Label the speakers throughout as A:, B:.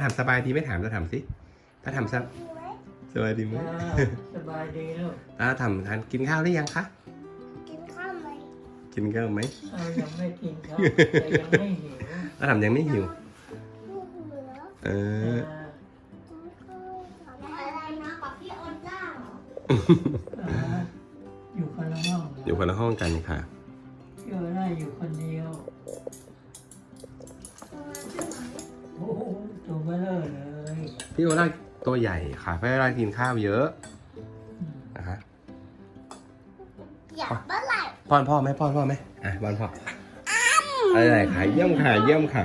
A: ถามสบายดีไหมถามจะถามสิถ้าถามสบายดีไหม
B: สบายดีลูก
A: ถามทานกินข้าวหรือยังคะ
C: กินข้าวไหม
A: กินข้าวไหม
B: ยังไม่กินครับแต่ยังไม่หิว
A: ถามยังไม่หิว
C: อะไรนะกับพี่ออนจ้าเหรอ
B: อยู่คนละห้อง
A: อยู่คนละห้องกันค่ะ
B: อยู่ได้อยู่คนเดียวโอ้ตัวเบลอเลย
A: พี่โอล่าตัวใหญ่ค่ะพี่โอล่ากินข้าวเยอะนะคะ
C: อยากเมื่อไหร่
A: ป้อนพ่อไหมป้อนพ่อไหมป้อนพ่ออะไรค่ะเยี่ยมค่ะเยี่ยมค่ะ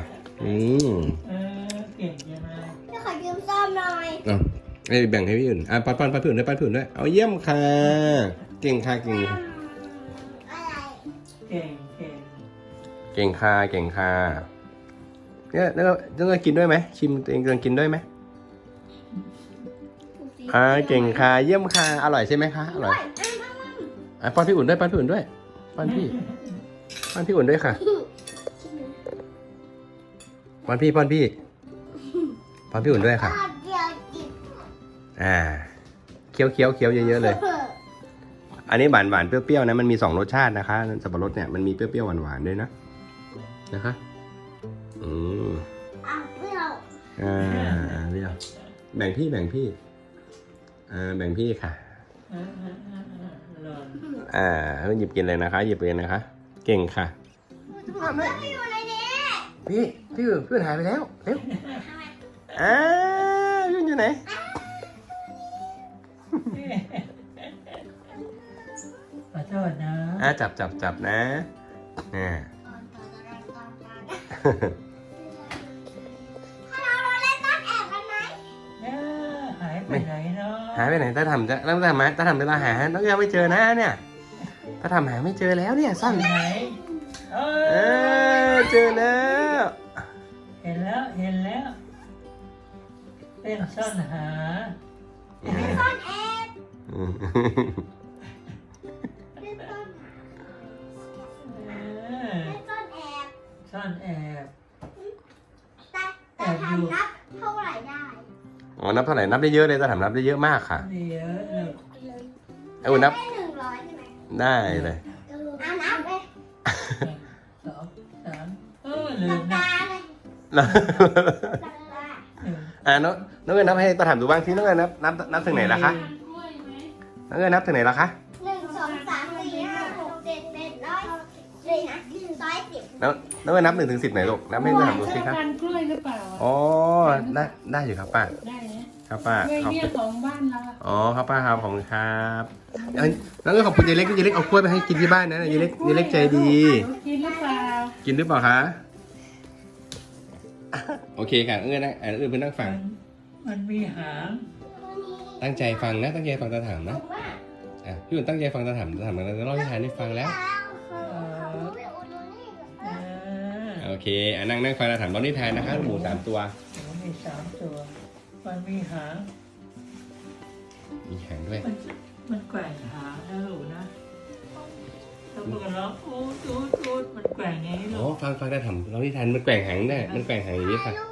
B: เก่งจังเลย
C: พี่ขอยืมซ่อมหน่อย
A: แบ่งให้พี่อื่นป้อนพี่อื่นด้วยป้อนพี่อื่นด้วยเอาเยี่ยมค่ะเก่งค่ะเก่ง
C: อะไร
B: เก่ง
A: ค่ะเก่งค่ะเนี่ยต้องกินด้วยไหมชิมตัวเองต้องกินด้วยไหมเก่งค่ะเยี่ยมค่ะอร่อยใช่ไหมคะอร่อยป้อนพี่อุ่นด้วยป้อนพี่อุ่นด้วยป้อนพี่อุ่นด้วยค่ะป้อนพี่อุ่นด้วยค่ะเคี้ยวเยอะๆเลยอันนี้หวานเปรี้ยวๆนะมันมี2รสชาตินะคะสับปะรดเนี่ยมันมีเปรี้ยวๆหวานๆด้วยนะคะ
C: เปรี้ยว
A: แบ่งพี่ค่ะหยิบกินเลยนะคะหยิบกินนะคะเก่งค่ะ
C: ไม่อยู่ในนี้
A: พี่อื่นหายไปแล้วเร็วพี่อยู่ไหน
B: ขอโทษนะ
A: จับนะ
B: หายไปไหนเนาะ
A: หายไปไหนถ้าทำเวลาหาต้องยังไม่เจอนะเนี่ยถ้าทำหาไม่เจอแล้วเนี่ยสั้น
B: ไหน
A: เจอแล้ว
B: เห็นแล้วเป็นซ่อนหา
C: ซ่อนแอบ
B: ซ่อนแอบ
C: แต่ทำนับเท่าไหร่ได้
A: นับเท่าไหร่นับได้เยอะเลยถ้าทำนับได้เยอะมากค่ะ
B: เยอะ
A: เลยนับ
C: ได้100ใช่ไหม
A: ได้เลย
C: นับเลย
B: 2 3ลืมนะ
A: น้องเงินนับให้ตาถามดูบ้างที่น้องเงินนับถึงไหนล่ะคะน้องเงินนับถึงไหนล่ะคะ
C: 1 2 3 4 5 6 7 8 9 10
A: น้องเงินนับ1 ถึง 10ไหนลูกนับให้ตาถามดูสิครับ
D: กล้วยหรือเปล่า
A: ได้อยู่ครับป้า
D: ได้นะครับ
A: ป้า
D: เนี่ยของบ้านเรา
A: ครับป้าครับขอบคุณครับแล้วก็ขอบคุณยายเล็กเอากล้วยไปให้กินที่บ้านนะยายเล็กใจดี
D: กินหรือเปล่า
A: คะโอเคค่ะเอื้อนะเอื้อเพื่อนนั่งฟัง
B: มันมีหาง
A: ตั้งใจฟังนะตั้งใจฟังตาถามนะพี่อุ่นตั้งใจฟังตาถามมันจะเล่านิทานให้ฟังแล้วโอเคนั่งฟังตาถามเล่านิทานนะคะหมู3 ตัว
B: มี3 ตัวมันมีหาง
A: ด้วย
B: มันแกว่งหางนะลูกนะถ้ามันร้องอูดมันแกว่งอย่างนี้ลูก
A: ฟังตาถามเล่านิทานมันแกว่งหางได้มันแกว่งหางอย่างนี้ค่ะ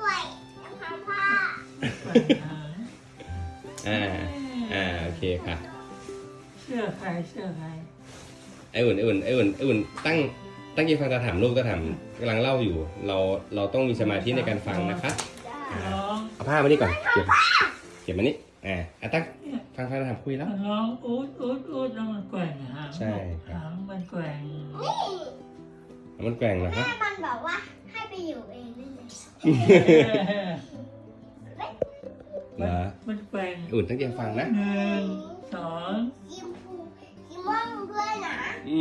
A: โอเคค่ะ
B: เสื้อใคร
A: ไอ้อุ่นตั้งใจฟังตาถามลูกตาถามกำลังเล่าอยู่เราต้องมีสมาธิในการฟังนะคะเอาผ้ามานี่ก่อนเก็บมานี่ตั้งฟังตาถามคุยแล้ว
B: ร้องอูดแล้วมันแกว่งหาง
A: ใช่
B: หางมันแกว่ง
A: นะครับ
C: แม่มันบอกว่าให้ไปอยู่เองนี่
A: เลย
B: มันแกว่ง
A: อุ่นตั้งใจฟังนะ
B: 1 2
C: ยิ้มว่างด้วยนะ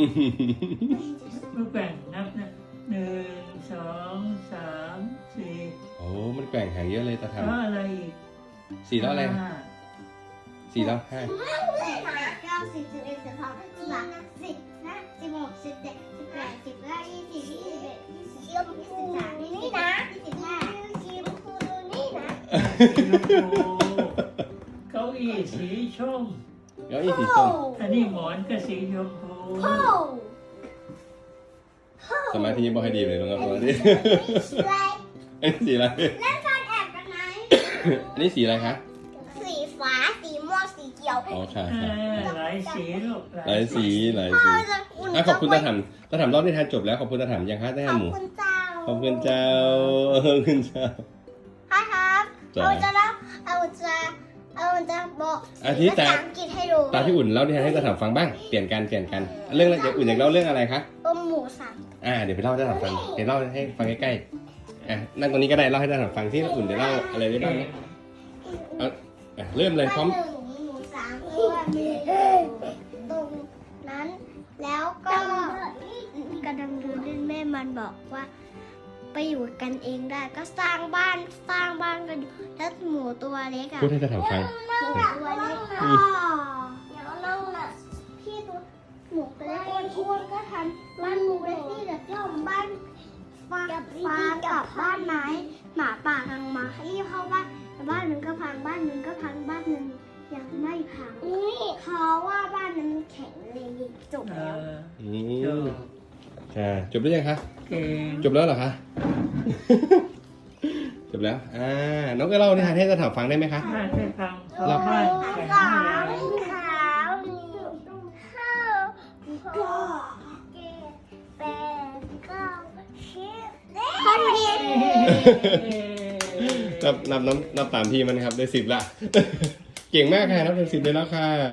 B: มันแกว่งนับนะ1 2 3 4
A: โอ้มันแกว่งหางเยอะเลยตาถาม
B: อะไรอีก
A: 4แล้วอะไร4แล้ว5
C: 9 10 11 12 13 10 16 17 18 19 20 21 23นี่นะ25ยิ้มคูนี่นะ
B: เก้าอี้สีส้มอันนี้หมอนก็สีชมพู
A: สมาธิบอกให้ดีเลยนะครับตอนนี้สีอะไร
C: เล่นซ่อนแอบกันไหม
A: อันนี้สีอะไรคะ
C: สีฟ้าสีม่วงสีเขียว
A: อ๋อค่ะ
B: หลายสีลูก
A: หลายสีหลาย
C: พ่อ
A: สี
C: จะอุ่น
A: อ่ะขอบคุณตาถามรอบนิทานจบแล้วขอบคุณตาถามยังคะได้
C: ขอบ
A: หมู
C: คุณเจ้า
A: ขอบคุณเจ้าขอบคุณเจ้า
C: ค่ะครับ
A: จ้ะ
C: เอาจะบอก
A: อาทิตย์แต่
C: ภาษาอังกฤษให้ดู
A: ตาพี่อุ่นเล่านิทานให้ตาถามฟังบ้างเปลี่ยนกันเรื่องอะไรเดี๋ยวอุ่นอยากเล่าเรื่องอะไรคะ
C: ต้มหมูสับ
A: เดี๋ยวไปเล่าให้ตาถามฟังเดี๋ยวเล่าให้ฟังใกล้ๆนั่งตรงนี้ก็ได้เล่าให้ตาถามฟังที่อุ่นเดี๋ยวเล่าอะไรได้บ้างเนี่ยเริ่มเลยพร้อม
C: หมูสามตัวตรงนั้น แล้วก็กระดังดูเล่นแม่มันบอกว่า ไปอยู่กันเองได้ก็สร้างบ้านกันอยู่แล้วหมูตัวเล็กอะ
A: พูดให้ตาถามฟัง
C: หมูตัวเล็กก็เดี๋ยวเราน่ะพี่ตัวหมูตัวเล็กอ้วนๆก็ทำบ้านหมูเล็กนี่แหละย่อมบ้านฟ้ากับบ้านไม้หมาป่าทางมาที่เข้าบ้านแต่บ้านหนึ่งก็พังบ้านหนึ่งก็พังบ้านหนึ่งยังไม่พังเพราะว่าบ้านนั้นแข็งแรงจบแล้ว
A: จบหรือยังคะ
B: เก่ง
A: จบแล้วเหรอคะ จบแล้ว น้องก็เล่านิทานให้ตาถามฟังได้ไหมคะ
B: ให้ฟัง
A: เรา
B: บ้านแข็ง
C: สา
B: แร
C: ม
B: ง
C: ขาวห้าหกเจ็ดแปดเก้าสิบข้อดี
A: นับตามพี่มันครับได้10ละ เก่งมากค่ะนับเป็น10ได้แล้วค่ะ